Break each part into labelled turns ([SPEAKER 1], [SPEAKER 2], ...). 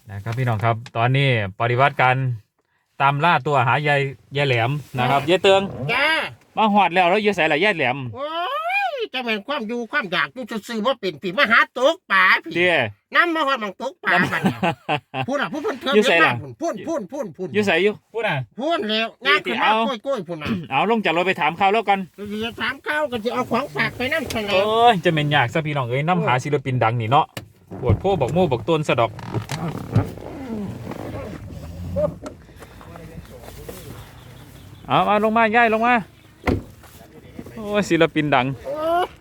[SPEAKER 1] นะครับพี่น้องครับตอนนี้ปฏิวัติการตามล่าตัวหายายแหลมนะครับยายเตือง
[SPEAKER 2] จ้า
[SPEAKER 1] มาหอดแล้วแล้วยายใส่ละยายแหลม
[SPEAKER 2] โอ้ยจะเป็นความอยู่ความอยากอยู่ซื่อๆว่าเป็นผีมาหาตกป่าผี
[SPEAKER 1] เดี๋ย
[SPEAKER 2] น้ำมาหอดมังตกป่าบัดนี้พูดอ่ะพูดเพิ่นเทิง
[SPEAKER 1] อยู่ไสล่ะ
[SPEAKER 2] พูด
[SPEAKER 1] อยู่ใส่อยู่พูดอ่ะ
[SPEAKER 2] พูดแล้วงานขึ้นมาก้อยพูดน่ะ
[SPEAKER 1] เอาลงจากรถไปถามเขาแล้วกัน
[SPEAKER 2] จะถามข้าวกันจะเอาของฝากไปน้ำทะเล
[SPEAKER 1] โอ้ยจะเป็นยากซะพี่น้องเอ้ยน้ำหาศิลปินดังนี่เนาะปวดโพบอกโม่บอกต้นสะดอกเอาลงมาย่ายลงมาโอ้ยศิลปินดัง
[SPEAKER 2] โอ้ย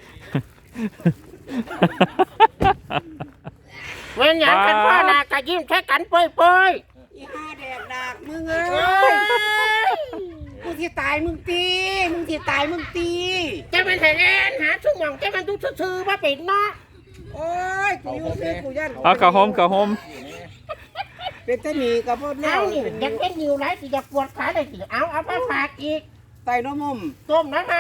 [SPEAKER 2] เว้นอย่างกันพ่อหน้ากะยิ้มใช้กันเปย
[SPEAKER 3] อีห้าแดกดากมึงเอ้
[SPEAKER 2] ๆเอ้
[SPEAKER 3] ย
[SPEAKER 2] ย
[SPEAKER 3] มึงที่ตายมึงตีมึงที่ตายมึงตี
[SPEAKER 2] จะเป็นไทยแลนด์หาชุ่มหม่องจะมันทุกซื่อๆว่าเป็นเนาะ
[SPEAKER 3] โอ้ยกูอยู่ซื้อกูยัน
[SPEAKER 1] เอากระหอม
[SPEAKER 3] เป็นตะหนีกับพวก
[SPEAKER 2] เอานี่อยากเป็นอยู่ไรสิอยากปวดขาเลยสิเอาไปฝากอีก
[SPEAKER 3] ไตน้ำมุม
[SPEAKER 2] ต้มน้ำให้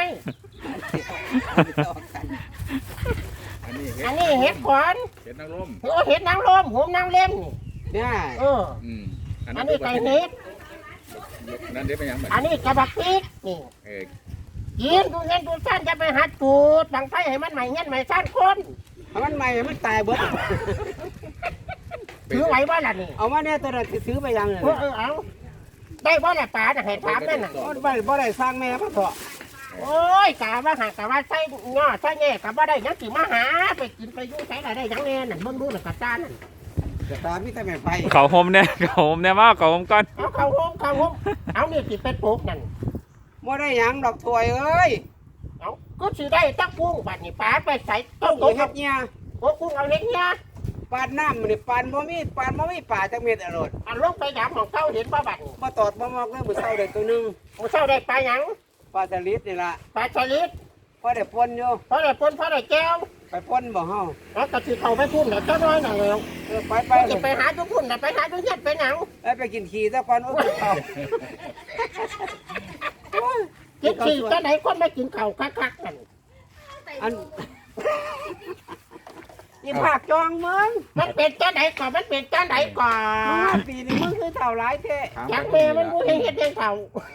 [SPEAKER 2] อันนี้เห็ดขอน
[SPEAKER 4] เห็ดนางรม
[SPEAKER 2] โอ้เห็ดนางรมหัวนางเล่มนี่
[SPEAKER 3] เนี่ย
[SPEAKER 2] เออ
[SPEAKER 4] อัน
[SPEAKER 2] อั
[SPEAKER 4] นั้น น
[SPEAKER 2] นี้ไก่เห็ด
[SPEAKER 4] นั่นเดี๋ยวไปยังมัน
[SPEAKER 2] อันนี้กระบักพริกนี่
[SPEAKER 4] เออ
[SPEAKER 2] กินดูเงินดูสั้นจะไปหัดจูดบังไฟให้มันใหม่เงี้ยใหม่สั้นคน
[SPEAKER 3] เอามันใหม่มันตายเบิด
[SPEAKER 2] ถือไหวบ่ล่ะนี่
[SPEAKER 3] เอามาเนี่ยตัวนั้นสิซื้อไปยังเลย
[SPEAKER 2] เอาได้บ่ล่ะป๋าน่ะให้ถามนั่นน่ะ
[SPEAKER 3] บ่ได้สร้างแม่มาเถอะ
[SPEAKER 2] โอ้ยกะว่าหากะว่าใส่ง้อใส่แง่กะว่าได้ยังสิมาหาไปกินไปอยู่ใส่ได้ยังแน่นั่นเบิ่งดูน่ะกะจ้านั่น
[SPEAKER 3] จะตามมีแต่แม่ไฟ
[SPEAKER 1] เขาหอมเนี่ยมาเขาหอมก่อน
[SPEAKER 2] เอาเข้าห้องเอานี่สิเป็นปุ๊กนั่น
[SPEAKER 3] บ่ได้หยังดอกถวยเอ้ย
[SPEAKER 2] เอาก็สิได้ตักกุ้งบัดนี้ป๋าไปใส่ต้
[SPEAKER 3] ต้
[SPEAKER 2] ม
[SPEAKER 3] อง
[SPEAKER 2] ต้ม
[SPEAKER 3] เฮ็ดเนี่ย
[SPEAKER 2] โอ้กุ้งเอาเล็กเนี่ย
[SPEAKER 3] ปานน้ำมันนี่ปานบ่มีป่าจักเม็ดอร่อย
[SPEAKER 2] อันลงไปยามของเก้าเห็นบ่บัดนี้
[SPEAKER 3] บ่ตอดบ่มอกเลยมื้อเช้าได้ตัวนึง
[SPEAKER 2] มื้อเช้าได้ปลาหยัง
[SPEAKER 3] ปลาสลิดนี่ล่ะ
[SPEAKER 2] ปลาสลิด
[SPEAKER 3] พอได้ป่นอยู่
[SPEAKER 2] พอได้ปนพอได้แก้ว
[SPEAKER 3] ไปป่นบ่เฮา
[SPEAKER 2] แล้วก็สิเข้าไปพุ่นน่ะเจ้าน้อยน่ะแล้ว
[SPEAKER 3] ไป
[SPEAKER 2] สิไปหาทุกพุ่นน่ะไปหาทุกเฮ็ดไปหยัง
[SPEAKER 3] ไปกินขี้ซะก่อนโอ้ยเขา
[SPEAKER 2] กินสิจังได๋คนไม่กินข้าวคักๆนั่น
[SPEAKER 3] อันอีภาคจองมึง
[SPEAKER 2] มันเป็นจังได๋ก่อนมันเป็นจังได๋ก่อ
[SPEAKER 3] มึง
[SPEAKER 2] น
[SPEAKER 3] ปีนี้มึงคือเท่าหลายแท้
[SPEAKER 2] อยากแม่มันบ่เฮ็ดเฮ็ดเฒ่า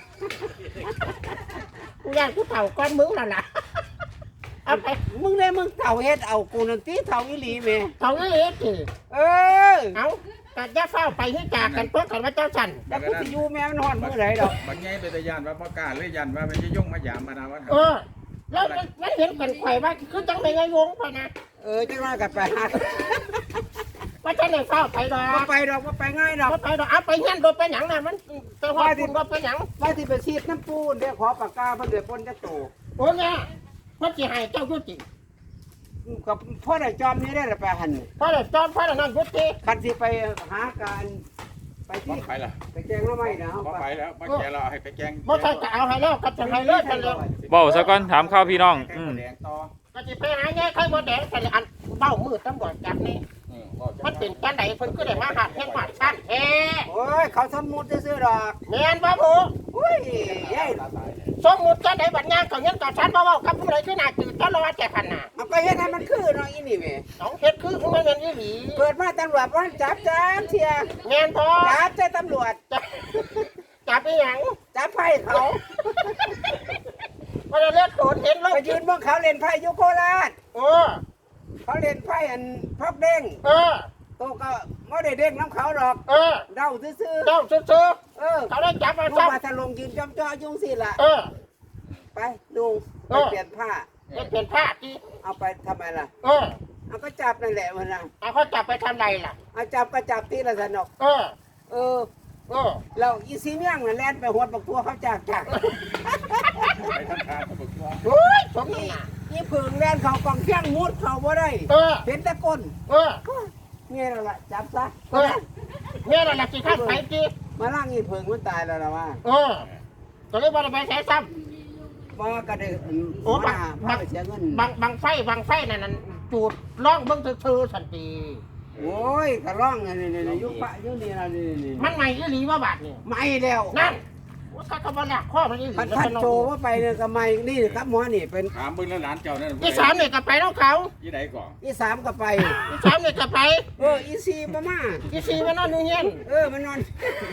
[SPEAKER 2] กูอยากกูเฒ่าก่อนมึงนั่นล่ะเอาไป
[SPEAKER 3] มึงได้มึงเท่าเฮ็ดเอากูนั่นตีเท่าอีหลีแม่
[SPEAKER 2] เฒ่าอีหลีสิ
[SPEAKER 3] เออ
[SPEAKER 2] เอาก็อย่าเฝ้าไปให้จากกันตัวกันว่าเจ้าสั่น
[SPEAKER 3] แต่กูสิอยู่แม่มันฮอดมื้อใดดอก
[SPEAKER 4] บางแง่เป็นตะยานว่าพ่อกล้าเลยยันว่ามันจะยุ่งมาหยามมานาวัน
[SPEAKER 2] เออแล้วมันเห็นกันไข่ว่าคือจังเป็นไงวงพอนะ
[SPEAKER 3] จังว่ากันไปหา
[SPEAKER 2] ว่าจะไหนเฝ้าไปดอก
[SPEAKER 3] บ่ไปดอกบ่ไปง่ายดอก
[SPEAKER 2] ไปดอกเอาไปเงี้ยโดนไปหยังน่ะมันไปหอดคุณก็ไปหยัง
[SPEAKER 3] ว่าสิไปฉีดน้ำปูนเด้ขอปากกาเพิ่นได้ป่นจักโต
[SPEAKER 2] โอ้เนี่ยพ่อจีให้เจ้ายุติ
[SPEAKER 3] กับพ่อได้จอมนี้ได้ละไปหั่น
[SPEAKER 2] พ่อเด็กจอนพ่อเด็กนั่งยุติ
[SPEAKER 3] คันสิไปหาการไป
[SPEAKER 4] พ่อ
[SPEAKER 3] ที่
[SPEAKER 4] ไปละ
[SPEAKER 3] ไปแจ้งแล้วไหมนะ
[SPEAKER 4] พ่อไปแล้วพ่อแกเราให้ไปแกง
[SPEAKER 2] บ่ใช่จะเอาให้แล้วกับจะให้เลิกกันแล้ว
[SPEAKER 1] เบ้าซะก่อนถามข้าวพี่น้อง
[SPEAKER 4] แกงแดงต่อ
[SPEAKER 2] ก็จะไปหาแง่ไข่มดแดงแต่อันเบ้ามือตำรวจจับนี่มันเป็นกันไหนเพิ่นก็ได้มาหัดแห่งหัดสั้นแท้
[SPEAKER 3] โอ้ยเขาสมมุติซื่อๆดอก
[SPEAKER 2] แม่นบ่ผู้
[SPEAKER 3] อุ้ยยาย
[SPEAKER 2] สมมุติกันไหนบัดงานก็เงินก็ชั้นบ่เว้ากับผู้ใดคือหน้าจืดตลอดแก่พันน่ะ
[SPEAKER 3] เอาก็เฮ็ดให้มันคือเนาะอีนี่แหม่
[SPEAKER 2] สองเฮ็ดคือมันเป็นอีหลี
[SPEAKER 3] เกิดมาตำรวจว่าจับเที่ย
[SPEAKER 2] แม่นพอ
[SPEAKER 3] จับใจตำรวจ
[SPEAKER 2] จับอีหยัง
[SPEAKER 3] จับไพ่เขา
[SPEAKER 2] ว่าจะเลือดโดนเห็นแล้ว
[SPEAKER 3] ไปยืนเบิ่งเขาเล่นไพ่อยุโคราช
[SPEAKER 2] เออ
[SPEAKER 3] เขาเล่นไพ่อันพับเด้ง
[SPEAKER 2] เออ
[SPEAKER 3] โตก็ไม่ได้เด้งน้ำเขาหรอก
[SPEAKER 2] เออ
[SPEAKER 3] เดาซื่อ
[SPEAKER 2] เจ้าซื้อ
[SPEAKER 3] ๆเออ
[SPEAKER 2] เขาได้จับมา
[SPEAKER 3] ลูก
[SPEAKER 2] จับ
[SPEAKER 3] มาทะลงยืนจ้อมจ้อยุ่งสิล่ะ
[SPEAKER 2] เออ
[SPEAKER 3] ไปดูไปเปลี่ยนผ้า
[SPEAKER 2] ไม่เปลี่ยนผ้าจี
[SPEAKER 3] เอาไปทำไมล่ะ
[SPEAKER 2] เออ
[SPEAKER 3] เอาก็จับนั่นแหละมันนะ
[SPEAKER 2] เอาเขาจับไปทำไรล่ะ
[SPEAKER 3] เอาจับก็จับที่ละสนก
[SPEAKER 2] เออ
[SPEAKER 3] เออ
[SPEAKER 2] เออ
[SPEAKER 3] เราอีซีเมี่ยงน่ะแล่นไปหวดบักตัวเขาจาก
[SPEAKER 4] ไปทำทานเขาบอกว่า
[SPEAKER 2] โอ้ยสมนี่น่ะ
[SPEAKER 3] นี่ผึ่งแล่นเขากองเชียงมุดเขาบ่ได้
[SPEAKER 2] เออ
[SPEAKER 3] เห็นแต่ก้น
[SPEAKER 2] เออ
[SPEAKER 3] เนี่ยแล้วล่ะจับซะ
[SPEAKER 2] เออเนี่ยแหละสิข้าไปจี
[SPEAKER 3] มาล่างอีผึ่งมันตายแล้วล่ะว่า
[SPEAKER 2] เออก็เลยว่าไปใช้ซ้
[SPEAKER 3] บ่ว่าก็ได้
[SPEAKER 2] โอ้
[SPEAKER 3] มา
[SPEAKER 2] บั
[SPEAKER 3] พาก ไปเสียเงิน
[SPEAKER 2] ำบางไฟนั่นจูดล่องเบิ่งซื่อสันติ
[SPEAKER 3] โอ้ยกระร่องนี่ยุคปะยุคนี้ล่ะนี่
[SPEAKER 2] มันใหม่อีหลีว่าบาทนี่
[SPEAKER 3] ไม่แล้ว
[SPEAKER 2] นั่นข้าก็บ่หลักข้อมันอีหลี
[SPEAKER 3] คันโจว่าไปเนี่ยก็ไม่นี่ครับหมอนี่เป็น
[SPEAKER 4] ถามเบิ่งแล้วหลานเจ้านั่น
[SPEAKER 2] ที่3นี่ก็ไปน้องเขา
[SPEAKER 4] ยี่ไหนก่อน
[SPEAKER 3] อีสามก็ไป
[SPEAKER 2] ที่3นี่ก็ไป
[SPEAKER 3] อีสี่มา
[SPEAKER 2] ที่4มันนอนอยู่เฮียน
[SPEAKER 3] มันนอน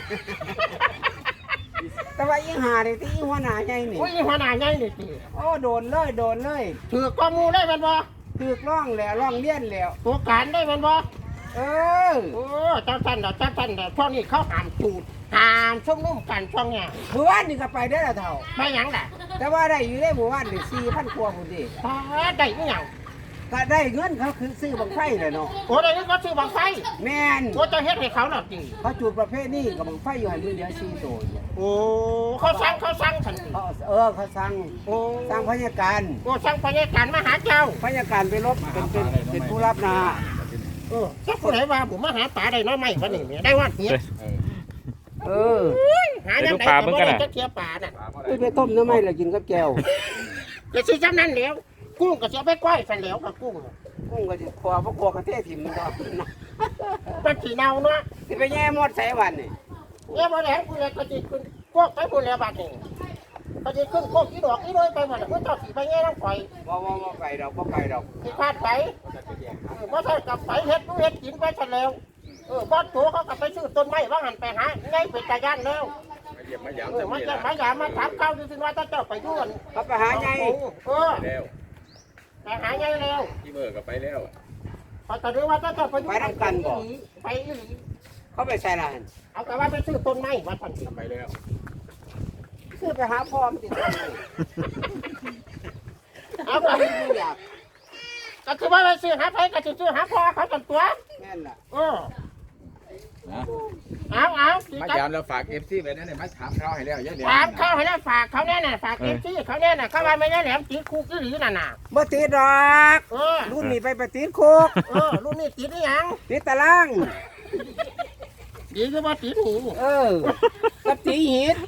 [SPEAKER 3] แต่ว่าอีหาเนี่ยที่อีหัวหน้าใหญ่นี่
[SPEAKER 2] โอ้ยหัวหน้าใหญ่นี่ติ
[SPEAKER 3] โดนเลย
[SPEAKER 2] ถือข้อมูลได้มันบ่
[SPEAKER 3] ถูกร้องแล้วร้องเลี้ยนแล้ว
[SPEAKER 2] ตัวการได้มันบ่ โอ้เจ้าท่านช่วงนี้เขาห้ามจูดห้ามชุมนุมกันช่วงเนี้ย
[SPEAKER 3] หมู่บ้านนี่ก็ไปได้ละเท่า
[SPEAKER 2] ไม่หยังล่ะ
[SPEAKER 3] แต่ว่าได้อยู่ได้หมู่บ้านนี่4,000 กว่าพุ่นดิ
[SPEAKER 2] พอได้อีหยัง
[SPEAKER 3] ก็ได้เงินเขาคือซื้อบังไฟเลยเนาะ
[SPEAKER 2] โอ้ได้ก็ซื้อบังไฟ
[SPEAKER 3] แม่น
[SPEAKER 2] โอ้เจะเฮ็ดให้เขาหรอจริง
[SPEAKER 3] เขาจุดประเภทนี้กับบังไฟอยู่ให้มือเดียว4ตัวอยู่
[SPEAKER 2] โอ้เขาสั่งทันที
[SPEAKER 3] เขาสั่ง
[SPEAKER 2] โอ้
[SPEAKER 3] สั่งพยาการ
[SPEAKER 2] โอ้สั่งพยาการมาหาเจ้า
[SPEAKER 3] พยาการไปลบเป็นผู้รับนา
[SPEAKER 2] เจ้าผู้ใดว่าผมมาหาป่าได้น้อยไหมวะนี่แม่ได้ว่าเพีย หายังไงก็บ่ได้จะเทียป่าน่ะ
[SPEAKER 3] ไปต้มน้ำไม้แล้วกินกับแก้ว
[SPEAKER 2] จะซื้อจำนั้นแล้วกุ้งก็จะไปก้อยสันแล้วกับกุ้ง
[SPEAKER 3] กุ้งก็สิคอบ่คอกระเทศถิ่มมันก็
[SPEAKER 2] มันสีเนาเนาะ
[SPEAKER 3] สิไปแย่มดใส่วันนี่
[SPEAKER 2] เนี่ยบ่แหลงกูเลยก็จิขึ้นพวกไปพุ่นแล้วบัดนี้ก็จิขึ้นพวกอีดอกอีน้อยไปหมดแล้วเจ้าสิไปแย่น้ำข่อย
[SPEAKER 3] บ่ไปดอก
[SPEAKER 2] สิพลาดไปบ่ใช่กับไปเฮ็ดเฮ็ดกินไปซะแล้วบ่ตัวเขาก็ไปซื้อต้นไม้ว่าหันไปหาไงเป็นตาย่านแล้ว
[SPEAKER 4] มาเยี่ยมมายาม
[SPEAKER 2] มาจะมาอย่ามาถามข้าวดูสิว่าเจ้าไปด้วย
[SPEAKER 3] เขาไปหาไง
[SPEAKER 4] แล้ว
[SPEAKER 2] ไปหาไงแล้ว
[SPEAKER 4] ที่เบอร์ก็ไปแล้ว
[SPEAKER 2] พอตอนนี้ว่าเจ้าไปด้วยไปอีหลี
[SPEAKER 3] เขาไปใส่ลาน
[SPEAKER 2] เอาแต่ว่าไปซื้อต้นไม้วัดพันธุ์
[SPEAKER 4] ไปแล้ว
[SPEAKER 3] ซื้อไปหาพ่อมติดต้นไม้
[SPEAKER 2] เอาไป
[SPEAKER 3] อยาก
[SPEAKER 2] ก็คือว่าไปซื้อหาไผก็จะซื้อหาพ่อเขาจนตัว
[SPEAKER 3] แม่นล่ะ
[SPEAKER 4] นะ
[SPEAKER 2] เอา
[SPEAKER 4] มายามแล้วฝากเอฟซีไปนั่นเนี่ยมาถามเขาให้แล้วยังเดี๋ยว
[SPEAKER 2] ฝากเขาให้แล้วฝากเขาแน่น่ะฝากเอฟซีเขาแน่น่ะเขาว่าไม่ได้แหลมติดคุกอีหลีน่ะน่ะ
[SPEAKER 3] บ่ติดดอก รุ่นนี้ไปติดคุก
[SPEAKER 2] รุ่นนี้ติดนี่ยัง
[SPEAKER 3] ติดตาราง
[SPEAKER 2] ดีคือว่าติดหู
[SPEAKER 3] กับตีหิด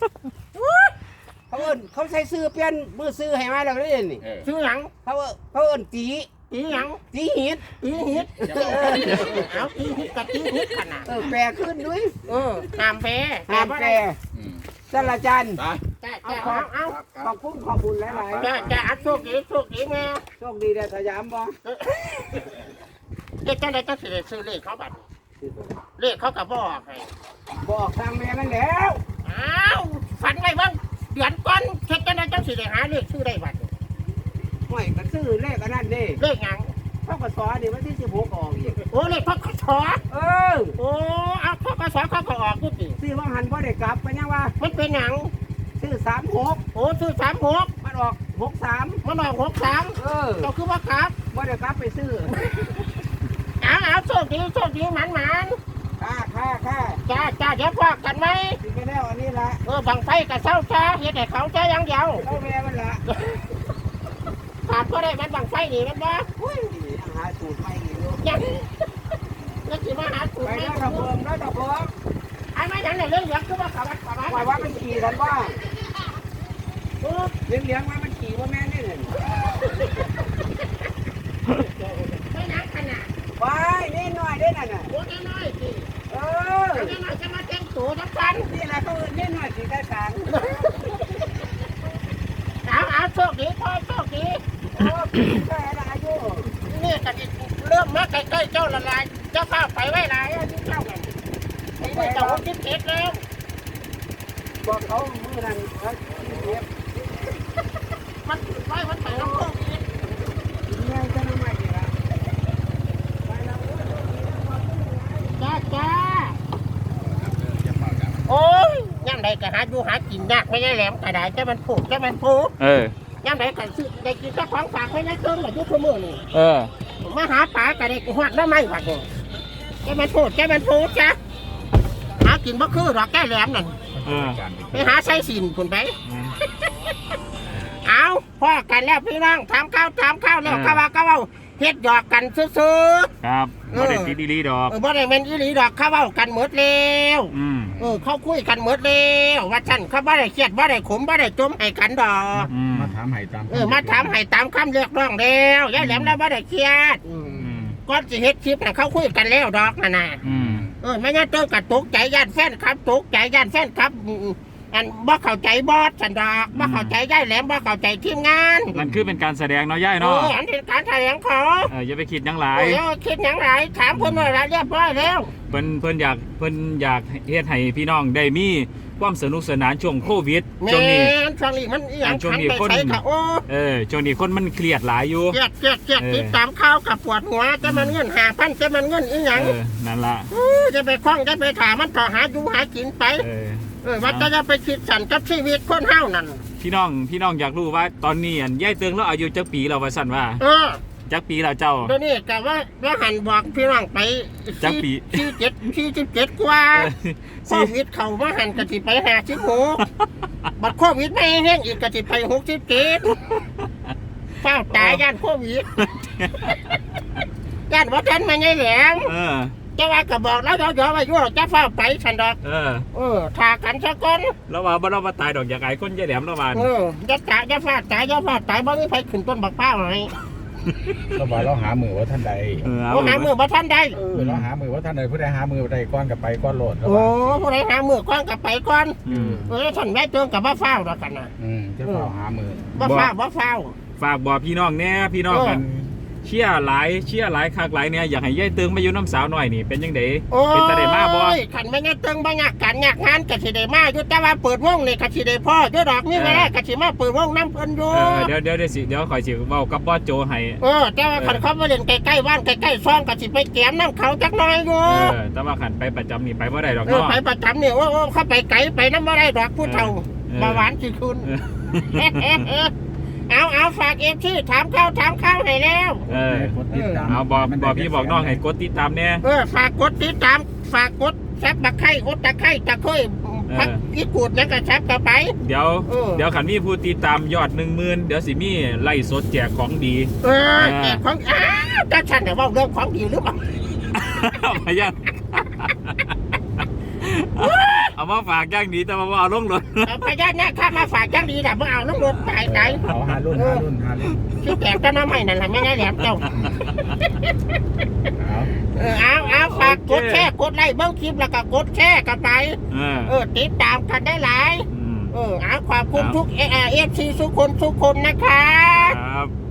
[SPEAKER 3] เขาใส่ซื้อเปลี่ยนมือซื้อให้มาแล้วนี่นี่
[SPEAKER 2] ซื้อหยัง
[SPEAKER 3] เขาเอิ้นตี
[SPEAKER 2] ตีหยัง
[SPEAKER 3] ตีหิด
[SPEAKER 2] ตีหิดเอาตีหิดกับตีหิดขนาด
[SPEAKER 3] แปลขึ้นด้วย
[SPEAKER 2] ห้ามแพ้
[SPEAKER 3] ห้ามแปลสารจัน
[SPEAKER 4] ไป
[SPEAKER 2] เอา
[SPEAKER 3] ขอบคุณหลายๆ
[SPEAKER 2] จะอัดโชคดีแม่
[SPEAKER 3] โชคดีได้สยามบ่
[SPEAKER 2] เด็กจังไดจังสิได้ซื้อเลขเขาบัดเลขเขาก็บอกให้
[SPEAKER 3] บอกทางแม่มันแล้ว
[SPEAKER 2] อ้าวฝันไว้บ้างเดือนก่อนเฮ็ดจังไดจังสิได้หาเลขซื้อได้บัด
[SPEAKER 3] ห่วยก็ซื้อเลขอันนั้นดิ
[SPEAKER 2] เลขหยัง
[SPEAKER 3] เขาก็สอนดิวันที่16ออกอีก
[SPEAKER 2] โอ้เลขพกส
[SPEAKER 3] เออ
[SPEAKER 2] โอ้เอาพกสเขาก็ออกอยู่ติ
[SPEAKER 3] ซื้อว่าหันบ่ได้กลับไปยังว่า
[SPEAKER 2] มันเป็นหยัง
[SPEAKER 3] ซื้อ36
[SPEAKER 2] โอ้ซื้อ36
[SPEAKER 3] มันออก63
[SPEAKER 2] มันออก63ก็คือว่าครับ
[SPEAKER 3] บ่ได้กลับไปซื้อ
[SPEAKER 2] เอาโชคดีหมัน
[SPEAKER 3] ค่า
[SPEAKER 2] ๆจ้าเดี๋ยวพอกันไหม
[SPEAKER 3] สิไปแล้วอันนี้ละ
[SPEAKER 2] บังไฟกับเศร้าจ้าเฮ็ดให้เขาจ้าอย่างเดียว
[SPEAKER 3] เอาแม่มันละ
[SPEAKER 2] ขาดก็ได้มันบังไฟนี่มันบ่
[SPEAKER 3] อุ้ยยังหาสูตรใหม่อีกอยู่
[SPEAKER 2] ยังแล้วสิมาหาสูต
[SPEAKER 3] ไป
[SPEAKER 2] ร
[SPEAKER 3] แล้วตะเบิงแล้วตะเบิง
[SPEAKER 2] ไอ้ไม่ยังเนี่ยเรื่องเหลืองคือว่าเขาวัด
[SPEAKER 3] ว่ามันขี่กันว่าเลี้ยงว่ามันขี่ว่าแม่นี่เลย
[SPEAKER 2] ไม่นักขนาด
[SPEAKER 3] ไปนี่หน่อยได้น่ะน่ะ
[SPEAKER 2] โอ้น้อยๆสิ
[SPEAKER 3] เออ
[SPEAKER 2] น้อยๆจะมาแต่งตัวทั้งกัน
[SPEAKER 3] นี่แหละเขานี่หน่อยสีได้สัง
[SPEAKER 2] เอาโชคดีพ่อโชคดี
[SPEAKER 3] โอ้แค่อายุ
[SPEAKER 2] นี่ก็เริ่มมาใกล้ๆเจ้าละลายเจ้าข้าวไปไว้หลายที่เจ้ากันนี่เจ้าคิดเผ็ดแล้ว
[SPEAKER 3] บอกเขามือนั้นเขาเก็บ
[SPEAKER 2] มันไว้มันไปน้ำโชคดี
[SPEAKER 3] เนี่ยจะทำไมดีล่ะ
[SPEAKER 2] จ้าโอ้ยย่ำใดก็หาอยู่หากินยากไม่ใช่แหลมกระดาษจะมันผูกย่ำใดก็ซื้อได้กินเจ้าของฝากไม่ได้เติมแบบยุคมือนี่มาหาปลาก็ได้หอดแล้วไม่หวัดเลยจะมันผูกจ้ะหากินบ่คือหรอกแก้แหลมนั่นไปหาไส้สินผุนไปเอาพ่อกันแล้วพี่น้องถามข้าวแล้วก็ว่าเฮ็ดหยอกกันซื้อ
[SPEAKER 1] ครับบ่ได้ติดดีดอก
[SPEAKER 2] บ่ได้แม่นอีหลีดอกเขาเว้ากันหมดแล้วเขาคุยกันหมดแล้วว่าฉันเขาบ่ได้เครียดบ่ได้ขมบ่ได้จมให้กันดอก
[SPEAKER 4] มาถามให้ตาม
[SPEAKER 2] มาถามให้ตามคำเรียกร้องแล้วยายแหลมแล้วบ่ได้เครียดก่อนสิเฮ็ดคลิปน่ะเขาคุยกันแล้วดอกน่ะไม่งั้นเจอกับตกใจย่านแฟนครับตกใจย่านแฟนครับอันบ่เข้าใจบอสสันดอกบ่เข้าใจย่ายแหลมบ่เข้าใจทีมงาน
[SPEAKER 1] นั่นคือเป็นการแสดงเนาะย่ายเนาะ
[SPEAKER 2] อันเป็นการแถลงเขา
[SPEAKER 1] อย่าไปคิดหยังหลาย
[SPEAKER 2] โอ้ยคิดอย่างไรถามคนว่าอะไรเรียบร้อยแล้ว
[SPEAKER 1] เพิ่นอยากเฮ็ดให้พี่น้องได้มีความสนุกสนานช่วงโควิด
[SPEAKER 2] แม่
[SPEAKER 1] ช่วงนี้
[SPEAKER 2] ช่วงนี้มันอีหยัง
[SPEAKER 1] ช่วง
[SPEAKER 2] ขัน
[SPEAKER 1] นี้
[SPEAKER 2] ไป
[SPEAKER 1] คน
[SPEAKER 2] ใช้ค่ะโอ้
[SPEAKER 1] ช่วงนี้คนมันเครียดหลายอยู่
[SPEAKER 2] เจ็ดติดตามข่าวกับปวดหัวจะมันเงิน5,000จะมันเงินอีหยัง
[SPEAKER 1] นั่นล่ะ
[SPEAKER 2] จะไปคล้องจะไปถามมันต่อหาอยู่หากินไปว่าจะไปคิดสั่นกับชีวิตคนเฮานั่น
[SPEAKER 1] พี่น้องอยากรู้ว่าตอนนี้อันย่ายเตืองแล้วอายุจักปีแล้วว่าสั่นว่าจักปีแล้วเจ้า
[SPEAKER 2] เดี๋ยวนี้กะว่าหันบอกพี่น้องไป
[SPEAKER 1] จักปี
[SPEAKER 2] 47กว่าโควิดเข้ามาหันกะสิไป56บัดโควิดไม่แห้งอีกกะสิไป67เฝ้าตายย่านโควิดย่านว่าท่านมาไงแหลมจะว่าก็บอกแล้วย่อๆว่าอยู่จะเฝ้าไปฉันดอกทากันซะก่อน
[SPEAKER 1] แล้วว่าบ่เรามาตายดอกอยากไอ้คนย่ายแหลมแล้วว่า
[SPEAKER 2] อย่าฟาดตายบ่มีไผขึ้นต้นบักเป้าให้
[SPEAKER 4] เราบอกเราหามือว่าท่านใด
[SPEAKER 2] บ่หามือบ่ทันได้
[SPEAKER 4] เราหามือว่าท่านใดผู้ใดหามือใดก้อนกับไปก้อนโหลด
[SPEAKER 2] โอ้ผู้ใดหามือก่อนก็ไปก่อนท่านแม่เติงก็บ่ฟ้าวดอกกันน่ะ
[SPEAKER 4] จะเฝ้าหามือ
[SPEAKER 2] บ่ฟ้าว
[SPEAKER 1] ฝากบอกพี่น้องแน่พี่น้องกันเชียร์หลายคักหลายเนี่ยอยากให้ย่ายเตืองมาอยู่น้ำสาวหน่อยนี่เป็นยังไงเป็นตาได้มาบ่
[SPEAKER 2] คันแม่เติงบ่ยากกันยากงานก็สิได้มาอยู่แต่ว่าเปิดวงนี่ก็สิได้พ่ออยู่ดอกนี่เวลาก็สิมาเปิดวงนำเพิ่นอยู่
[SPEAKER 1] เดี๋ยวข่อยสิเว้ากับบอสโจให้
[SPEAKER 2] แต่ว่าคันเขามาเล่นใกล้ๆบ้านใกล้ๆซ่องก็สิไปแกมน้ำเขาจักหน่อยอยู่
[SPEAKER 1] แต่ว่าขันไปประจำนี่ไปบ่ได้ดอก
[SPEAKER 2] ไป
[SPEAKER 1] เนาะ
[SPEAKER 2] ประจำนี่โอ้เขาไปไกลไปน้ำบ่ได้ดอกผู้เฒ่าเบาหวานสิคุณ เอาฝากที่ถามข้าวให้แล้ว
[SPEAKER 1] เอาบอกพี่บอกน้องให้กดติดตามเนี่ย
[SPEAKER 2] ฝากกดติดตามฝากกดซับตะไคร้กดตะไคร้ตะค่อยพักอีกูดแล้วก็ซับต่อไป
[SPEAKER 1] เดี๋ยวขันมีผู้ติดตามยอด 10,000เดี๋ยวสิมีไล่สดแจกของดี
[SPEAKER 2] แจกของถ้าฉันเนี่ยว่าเรื่องของดีหรือเปล่า
[SPEAKER 1] มายังเอามาฝากย่างดีแต่ว่าเอาลงรถ
[SPEAKER 2] พญานาคข้ามาฝากจังดีแต่เมื่อเอาลงรถตาย
[SPEAKER 4] เอาหารุ่น
[SPEAKER 2] ที่แจกก็น้ำให้นั่นแหละไม่ได้แหลมเจ้าเอาฝากกดแชร์กดไลค์เบิ้งคลิปแล้วก็กดแชร์กันไปติดตามกันได้หลายเอาขอบคุณทุกFCทุกคนนะคะ
[SPEAKER 1] ครับ